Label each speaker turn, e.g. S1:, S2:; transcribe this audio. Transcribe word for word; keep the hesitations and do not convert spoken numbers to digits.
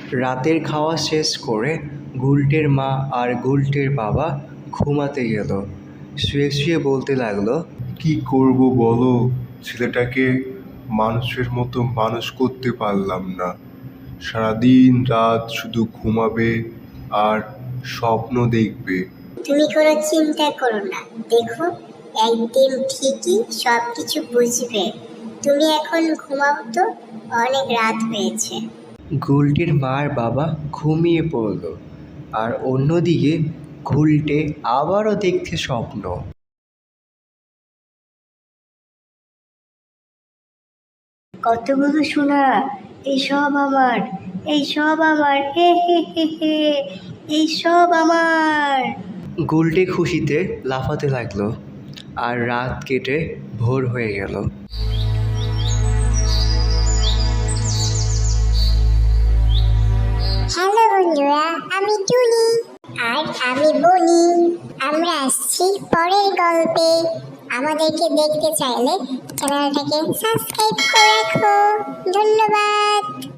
S1: রাতের খাওয়া শেষ করে গুলটের মা আর গুলটের বাবা ঘুমাতে গেল। শুয়ে শুয়ে বলতে লাগলো,
S2: কি করব বলো, ছেলেটাকে মানুষের মতো মানুষ করতে পারলাম না। সারাদিন রাত শুধু ঘুমাবে আর স্বপ্ন দেখবে।
S3: তুমি কোনো চিন্তা করো না, দেখো একদিন ঠিকই সব কিছু বুঝবে। তুমি এখন ঘুমাও তো, অনেক রাত হয়েছে।
S1: গুলটের মার বাবা ঘুমিয়ে পড়ল আর অন্যদিকে গুলটে আবারও দেখছে স্বপ্ন।
S3: কতগুলো সোনা, এই সব আমার, এই সব আমার, হে হে হে হে, এই সব আমার।
S1: গুলটে খুশিতে লাফাতে লাগলো আর রাত কেটে ভোর হয়ে গেল।
S3: হ্যালো বন্ধুরা, আমি টুনি আর আমি বনি। আমরা আসছি পরের গল্পে। আমাদেরকে দেখতে চাইলে চ্যানেলটাকে সাবস্ক্রাইব করে রাখো। ধন্যবাদ।